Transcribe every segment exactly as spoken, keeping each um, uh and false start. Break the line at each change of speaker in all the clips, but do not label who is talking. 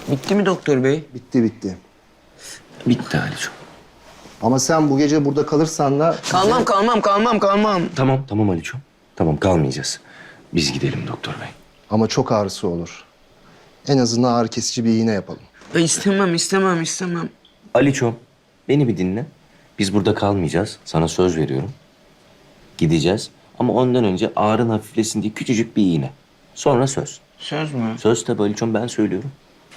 Bitti mi doktor bey?
Bitti bitti.
Bitti Aliço.
Ama sen bu gece burada kalırsan da...
Kalmam, kalmam, kalmam, kalmam.
Tamam, tamam Aliço. Tamam, kalmayacağız. Biz gidelim doktor bey.
Ama çok ağrısı olur. En azından ağrı kesici bir iğne yapalım.
Ben istemem, istemem, istemem.
Aliço, beni bir dinle. Biz burada kalmayacağız. Sana söz veriyorum. Gideceğiz. Ama ondan önce ağrın hafiflesin diye küçücük bir iğne. Sonra söz.
Söz mü?
Söz tabii Aliço'm, ben söylüyorum.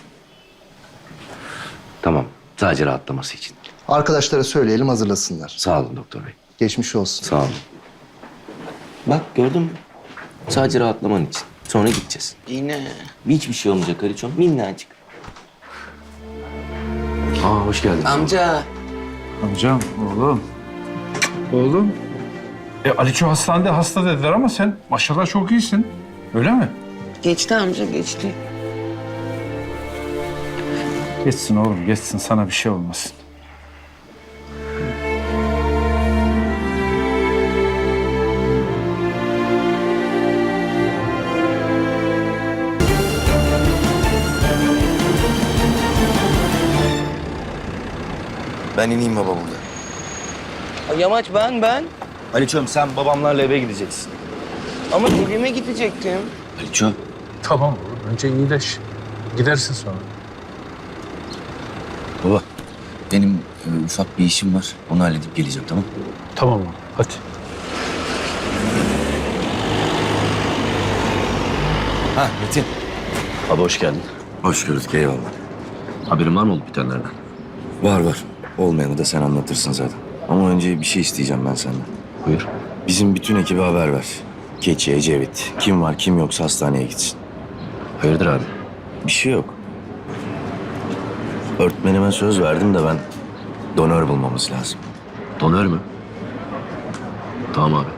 Tamam, sadece rahatlaması için.
Arkadaşlara söyleyelim, hazırlasınlar.
Sağ olun doktor bey.
Geçmiş olsun.
Sağ olun. Bak gördün mü? Sadece rahatlaman için. Sonra gideceğiz.
Yine.
Hiçbir şey olmayacak Aliço'm. Minnacık. Aa, hoş geldin.
Amca.
Amcam, oğlum. Oğlum. E Aliço hastanede hasta dediler ama sen maşallah çok iyisin. Öyle mi?
Geçti amca, geçti.
Geçsin oğlum, geçsin. Sana bir şey olmasın.
Ben ineyim baba burada.
Ay, Yamaç ben, ben.
Aliço'm sen babamlarla eve gideceksin.
Ama evime gidecektim.
Aliço.
Tamam oğlum, önce iyileş. Gidersin sonra.
Baba, benim e, ufak bir işim var. Onu halledip geleceğim, tamam?
Tamam oğlum, hadi.
Ha Metin. Baba hoş geldin. Hoş gördük, eyvallah. Haberin var mı olup bitenlerden? Var var. Olmayanı da sen anlatırsın zaten. Ama önce bir şey isteyeceğim ben senden. Buyur. Bizim bütün ekibe haber ver. Keçi, Ecevit. Kim var kim yoksa hastaneye gitsin. Hayırdır abi? Bir şey yok. Öğretmenime söz verdim de ben donör bulmamız lazım. Donör mü? Tamam abi.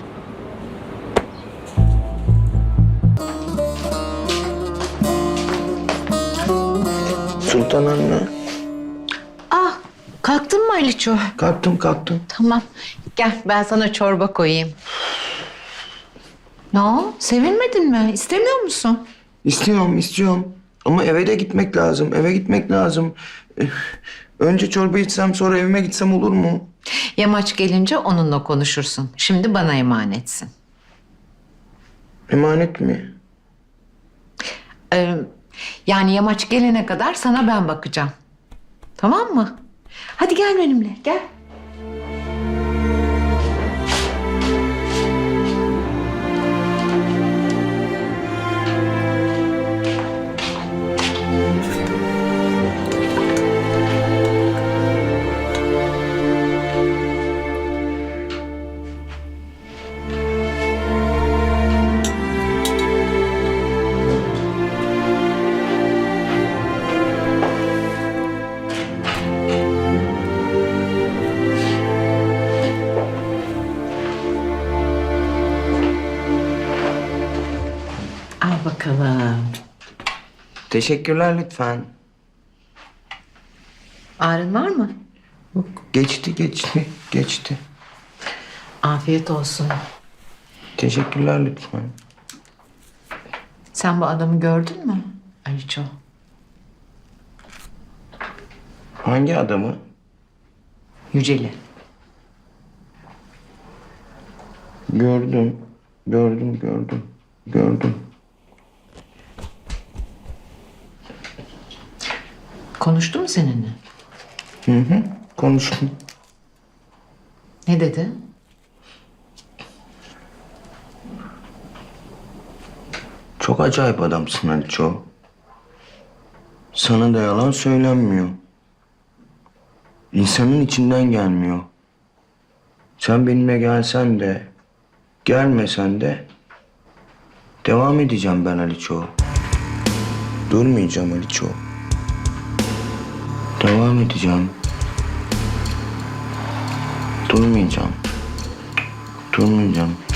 Sultan anne.
Ah, kalktın mı Aliço?
Kalktım, kalktım.
Tamam, gel ben sana çorba koyayım. Ne o? Sevinmedin mi? İstemiyor musun?
İstiyorum, istiyorum. Ama eve de gitmek lazım, eve gitmek lazım. Eh, Önce çorba içsem, sonra evime gitsem olur mu?
Yamaç gelince onunla konuşursun. Şimdi bana emanetsin.
Emanet mi?
Ee, yani Yamaç gelene kadar sana ben bakacağım. Tamam mı? Hadi gel benimle, gel. Al bakalım.
Teşekkürler lütfen.
Ağrın var mı?
Yok, geçti, geçti, geçti.
Afiyet olsun.
Teşekkürler lütfen.
Sen bu adamı gördün mü Aliço?
Hangi adamı?
Yüceli.
Gördüm, gördüm, gördüm, gördüm.
Konuştu mu seninle?
Hı hı, konuştum.
Ne dedi?
Çok acayip adamsın Aliço. Sana da yalan söylenmiyor. İnsanın içinden gelmiyor. Sen benimle gelsen de, gelmesen de devam edeceğim ben Aliço. Durmayacağım Aliço. Devam edeceğim. Durmayacağım. Durmayacağım.